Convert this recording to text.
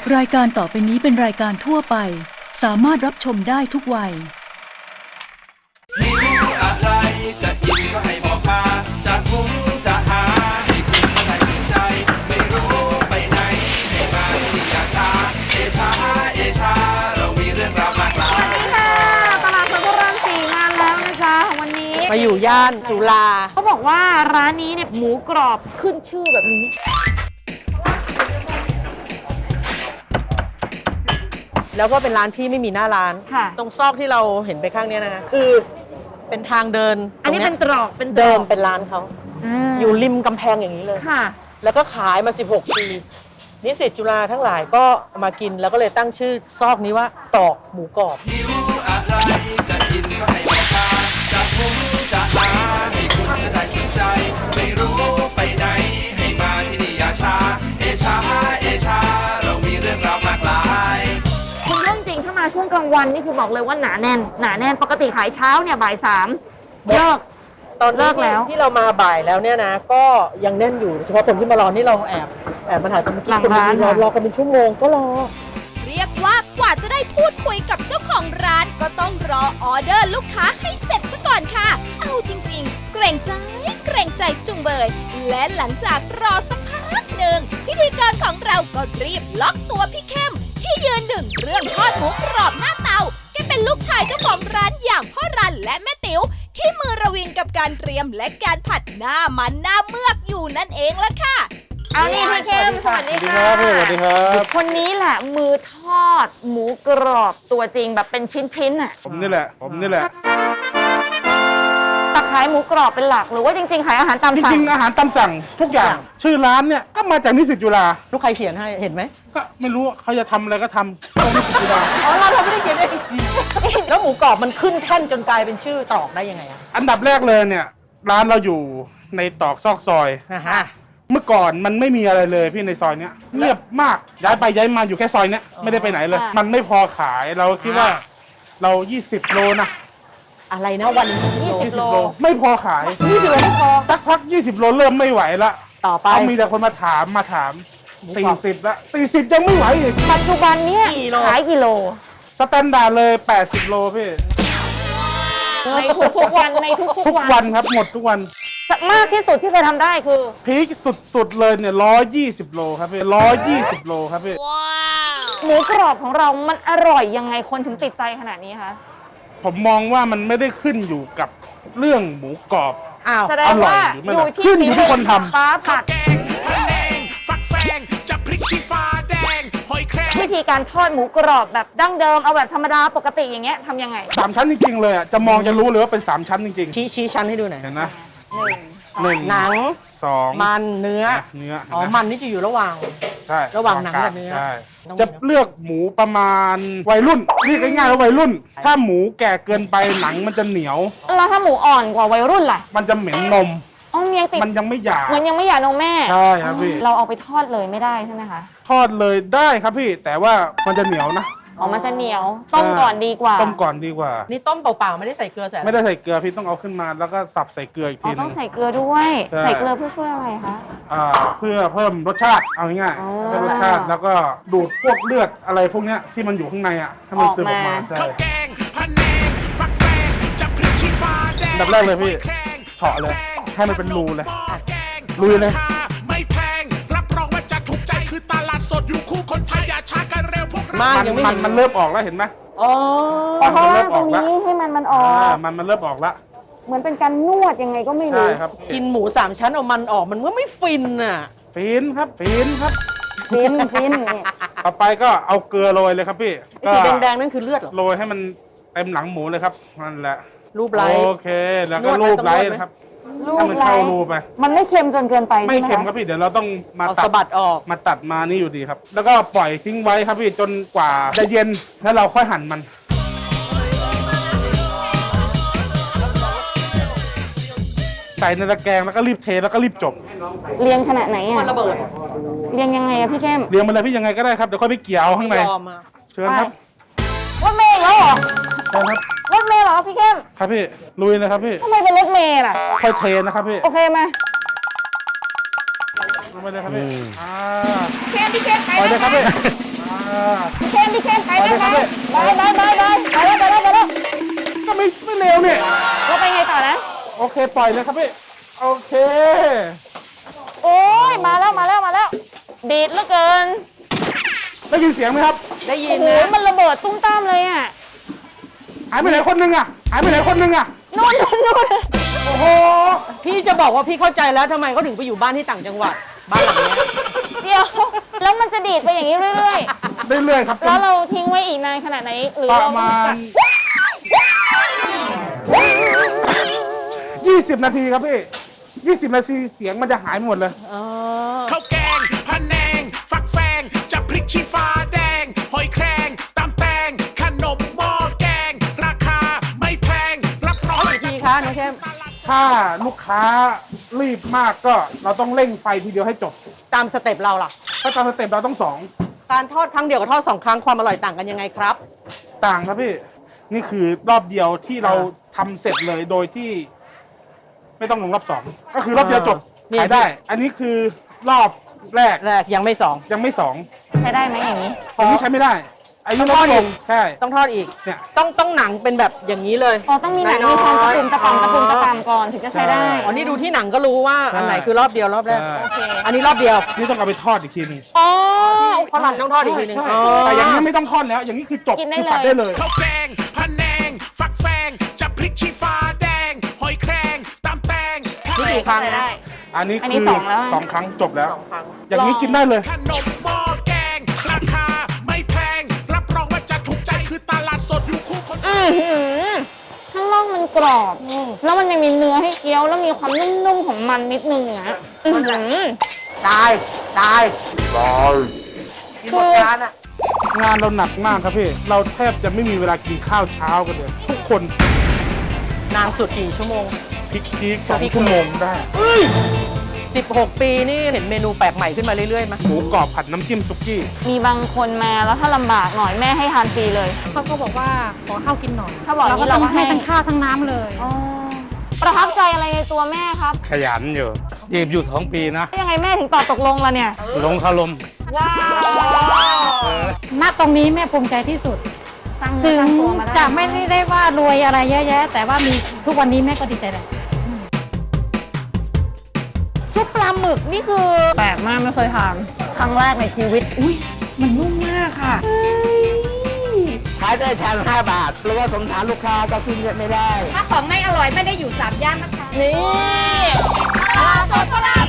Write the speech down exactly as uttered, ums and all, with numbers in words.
รายการต่อไปนี้เป็นรายการทั่วไปสามารถรับชมได้ทุกวัยหิวอะไรจะกินก็ให้บอกมาจะหุงจะหาให้คุณก็ได้สนใจไม่รู้ไปไหนให้มาที่อย่าช้าเอชาเอชาเรามีเรื่องราวมากมายค่ะตลาดสดพระรามสี่มาแล้วนะจ๊ะวันนี้มาอยู่ย่านจุฬาเขาบอกว่าร้านนี้เนี่ยหมูกรอบขึ้นชื่อแบบนี้แล้วก็เป็นร้านที่ไม่มีหน้าร้านตรงซอกที่เราเห็นไปข้างนี้นะคะคือเป็นทางเดินอันนี้เป็นตรอกเป็นเดิมเป็นร้านเขาอยู่ริมกำแพงอย่างนี้เลยค่ะแล้วก็ขายมาสิบหกปีนิสิตจุฬาทั้งหลายก็มากินแล้วก็เลยตั้งชื่อซอกนี้ว่าตอกหมูกรอบหิวอะไรจะกินก็ให้บอกมาจะหุงจะหาให้คุณก็ได้สนใจไม่รู้ไปไหนให้มาที่นี่อย่าช้าเอชาเอชาเรามีเรื่องราวมากมายคุณเรื่องจริงถ้ามาช่วงกลางวันนี่คือบอกเลยว่าหนาแน่นหนาแน่นปกติขายเช้าเนี่ยบ่ายสามเลิกตอนเลิกแล้วที่เรามาบ่ายแล้วเนี่ยนะก็ยังแน่นอยู่เฉพาะคนที่มารอนี่เราแอบแอบมาถ่ายตอนเมื่อกี้คนที่รอรอกันเป็นชั่วโมงก็รอเรียกว่ากว่าจะได้พูดคุยกับเจ้าของร้านก็ต้องรอออเดอร์ลูกค้าให้เสร็จซะก่อนค่ะเอาจริงๆเกรงใจเกรงใจจุงเบยและหลังจากรอสักพักหนึ่งพิธีกรของเราก็รีบล็อกตัวพี่เข้มที่ยืนหนึ่งเรื่องทอดหมูกรอบหน้าเตาแกเป็นลูกชายเจ้าของร้านอย่างพ่อรันและแม่ติ๋วที่มือระวิงกับการเตรียมและการผัดหน้ามันหน้าเมือกอยู่นั่นเองละค่ะเอานี่พี่เข้มสวัสดีค่ะสวัสดีครับคนนี้แหละมือทอดหมูกรอบตัวจริงแบบเป็นชิ้นๆอ่ะผมนี่แหละผมนี่แหละแต่ขายหมูกรอบเป็นหลักหรือว่าจริงๆขายอาหารตามสั่งจริงๆอาหารตามสั่งทุกอย่างชื่อร้านเนี่ยก็มาจากนิสิตจุฬาลูกใครเขียนให้เห็นไหมก็ไม่รู้เขาจะทำอะไรก็ทำตรงนิสิตจุฬาอ๋อเราเราไม่ได้เขียนเองแล้วหมูกรอบมันขึ้นแท่นจนกลายเป็นชื่อตอกได้ยังไงอ่ะอันดับแรกเลยเนี่ยร้านเราอยู่ในตอกซอกซอยเมื่อก่อนมันไม่มีอะไรเลยพี่ในซอยเนี้ยเงียบมากย้ายไปย้ายมาอยู่แค่ซอยเนี้ยไม่ได้ไปไหนเลยมันไม่พอขายเราคิดว่าเรายี่สิบโลนะอะไรนะวันนี้ยี่สิบโลไม่พอขายยี่สิบโลไม่พอสักพักยี่สิบโลเริ่มไม่ไหวละต่อไปมีแต่คนมาถามมาถามสี่สิบละสี่สิบยังไม่ไหวอีกปัจจุบันเนี้ยขายกิโลสแตนดาร์ดเลยแปดสิบโลพี่ในทุกๆวันในทุกๆวันทุกวันครับหมดทุกวันมากที่สุดที่เคยทำได้คือพีคสุดๆเลยเนี่ยร้อยยี่สิบโลครับพี่ร้อยยี่สิบโลครับพี่หมูกรอบของเรามันอร่อยยังไงคนถึงติดใจขนาดนี้คะผมมองว่ามันไม่ได้ขึ้นอยู่กับเรื่องหมูกรอบอ้าวแสดงว่าอยู่ที่ขึ้นอยู่ที่คนทำฟ้าผัดวิธีการทอดหมูกรอบแบบดั้งเดิมเอาแบบธรรมดาปกติอย่างเงี้ยทำยังไงสามชั้นจริงๆเลยอ่ะจะมองจะรู้เลยว่าเป็นสามชั้นจริงๆชี้ชี้ชั้นให้ดูหน่อยเห็นนะหนึ่งหนังสองมันเนื้อเนื้ออ๋อมันนี่จะอยู่ระหว่างใช่ระหว่างหนังกับเนื้อจะเลือกหมูประมาณวัยรุ่นเรียกง่ายๆว่าวัยรุ่นถ้าหมูแก่เกินไปหนังมันจะเหนียวแล้วถ้าหมูอ่อนกว่าวัยรุ่นล่ะมันจะเหม็นนมอ๋อเมียติดมันยังไม่หยาบมันยังไม่หยาบนมแม่ใช่ครับพี่เราเอาไปทอดเลยไม่ได้ใช่ไหมคะทอดเลยได้ครับพี่แต่ว่ามันจะเหนียวนะอ๋อมันจะเหนียวต้มก่อนดีกว่าต้มก่อนดีกว่านี่ต้มเปล่าๆไม่ได้ใส่เกลือใส่ไม่ได้ใส่เกลือพี่ต้องเอาขึ้นมาแล้วก็สับใส่เกลืออีกทีนึงต้องใส่เกลือด้วยใส่เกลือเพื่อช่วยอะไรคะอ่าเพื่อเพิ่มรสชาติเอาง่ายๆเพิ่มรสชาติแล้วก็ดูดพวกเลือดอะไรพวกเนี้ยที่มันอยู่ข้างในอ่ะให้มันซึมออกมาใช่ดับแรกเลยพี่เฉาะเลยให้มันเป็นรูเลยลุยเลยไม่แพงรับรองว่าจะถูกใจคือตลาดสดอยู่คู่คนไทยอย่าช้ากันเร็วพวกเรามันมันเริ่มออกแล้วเห็นไหมอ๋อมันเริ่มออกแล้วให้มันมันออกมันมันเริ่มออกแล้วเหมือนเป็นการนวดยังไงก็ไม่รู้ใช่ครับกินหมูสามชั้นเอามันออกมันก็ไม่ฟินอ่ะฟินครับฟินครับฟินฟินต่อไปก็เอาเกลือโรยเลยครับพี่สีแดงๆนั่นคือเลือดเหรอโรยให้มันเต็มหลังหมูเลยครับนั่นแหละรูปไล้โอเคแล้วก็รูปไล้นะครับให้มันเข้ารูไปมันไม่เค็มจนเกินไปไม่เค็มครับพี่เดี๋ยวเราต้องมาตัดสะบัดออกมาตัดมานี่อยู่ดีครับแล้วก็ปล่อยทิ้งไว้ครับพี่จนกว่าจะเย็นแล้วเราค่อยหั่นมันใส่ในตะแกรงแล้วก็รีบเทแล้วก็รีบจบเรียงขนาดไหนอ่ะมันระเบิดเรียงยังไงอะพี่เข้มเรียงมาเลยพี่ยังไงก็ได้ครับเดี๋ยวค่อยไปเกี่ยวข้างในเชิญครับรถเมล์แล้วเหรอเชิญครับรถเมล์เหรอพี่เข้มครับพี่ลุยเลยครับพี่ทำไมเป็นรถเมล์ล่ะค่อยเทนะครับพี่โอเคมาลงไปเลยครับพี่อ่าเข้มพี่เข้มไปเลยครับพี่าพี่เคนพี่เคนไปไหมไปไปไปไปไปไปแล้วไปแล้วไปแล้วก็ไม่ไม่เร็วเนี่ยเราไปไงต่อนะโอเคปล่อยเลยครับพี่โอเคโอ้ยมาแล้วมาแล้วมาแล้วดีดเหลือเกินได้ยินเสียงไหมครับได้ยิโอ้นโหนะมันระเบิดตุ้มตามเลยอ่ะหายไปไหนคนนึงอ่ะหายไปไหนคนนึงอ่ะนู่นนู่นนู่นโอ้โหพี่จะบอกว่าพี่เข้าใจแล้วทำไมเขาถึงไปอยู่บ้านที่ต่างจังหวัดบ้านหลังเนี้ยเดี๋ยวแล้วมันจะดีดไปอย่างนี้เรื่อยเรื่อยๆครับๆ แล้วเราทิ้งไว้อีกนานขนาดไหนหรือปเราระต้อมางจัณดยี่สิบนาทีครับพี่ยี่สิบนาทีเสียงมันจะหายหมดเลยข้าวแกงพะแนง ฟักแฟงจะพริกชี้ฟ้าแดง หอยแครงตำแตง ขนมหม้อแกง ราคาไม่แพง รับรองกี่ทีคะน้องเข้มถ้าลูกค้ารีบมากก็เราต้องเร่งไฟทีเดียวให้จบตามสเต็ปเราล่ะถ้าตามสเต็ปเราต้องสองการทอดครั้งเดียวกับทอดสองครั้งความอร่อยต่างกันยังไงครับต่างครับพี่ นี่คือรอบเดียวที่เราทำเสร็จเลยโดยที่ ไม่ต้องลงรอบสองก็คือรอบเดียวจบเนี่ยขายได้ อันนี้คือรอบแรกแรกยังไม่สองยังไม่สองใช้ได้ไหมอย่างนี้อันนี้ใช้ไม่ได้อันนี้ต้องทอดลดลอีงกใช่ต้องทอดอีกเนี่ยต้องต้องหนังเป็นแบบอย่างนี้เลยอ๋อ ต้องมีหนังมีความตะปุ่มตะปำตะปุ่มตะปำก่อนถึงจะใช้ได้อ๋อนี่ดูที่หนังก็รู้ว่าอันไหนคือรอบเดียวรอบแรกใช่โอเคอันนี้รอบเดียวนี่ต้องเอาไปทอดอีกทีหนึงอ๋อเพราะหลังต้องทอดอีกทีหนึงใช่อ๋อแต่อย่างนี้ไม่ต้องทอดแล้ว อย่างนี้คือจบกินได้คือผัดเลยได้เลยข้าวแกงพะแนง ฟักแฟงจะพริกชี้ฟ้าแดง หอยแครงตำแตงนี่กี่ครั้งนะได้อันนี้อันนี้คือสองแล้วอะสองครั้งจบแล้วสองครั้งอย่างนี้กินได้เลยขนมหม้อแกง ราคาไม่แพง รับรองว่าจะถูกใจคือตลาดสดอยู่คู่คนอื้อหือข้างล่างมันกรอบ แล้วมันยังมีเนื้อให้เคี้ยว แล้วมีความนุ่มๆของมันนิดนึงนะอื้อหือตายตายตายกินหมดจานอ่ะงานเราหนักมากครับพี่ เราแทบจะไม่มีเวลากินข้าวเช้ากันเลย ทุกคนนานสุดกี่ชั่วโมงพลิกพีกสองชั่วโมงได้สิบหก ปีนี่เห็นเมนูแปลกใหม่ขึ้นมาเรื่อยๆไหมหมูกรอบผัดน้ำจิ้มซุกี้มีบางคนมาแล้วถ้าลำบากหน่อยแม่ให้ทานฟรีเลยเขาก็บอกว่าขอข้าวกินหน่อยถ้าบอกอย่างนี้เราก็ต้องเราก็ให้ให้ทั้งข้าวทั้งน้ำเลยอ๋อประทับใจอะไรในตัวแม่ครับขยันอยู่ยีบอยู่สองปีนะยังไงแม่ถึงตอบตกลงล่ะเนี่ยลงคารมว้าวณ ตรงนี้แม่ภูมิใจที่สุดสร้างถึเนื้อง สร้างตัวมาได้จะไม่ได้ว่ารวยอะไรเยอะแยะ แต่ว่ามีทุกวันนี้แม่ก็ดีใจแล้วซุปปลาหมึกนี่คือแปลกมากไม่เคยทานครั้งแรกในชีวิต อุ้ยมันนุ่มมากค่ะขายได้ชามห้าบาทเพราะว่าสงสารลูกค้าก็ขึ้นเยอะไม่ได้ถ้าของไม่อร่อยไม่ได้อยู่สามย่านนะคะนี่ปลาสดปลา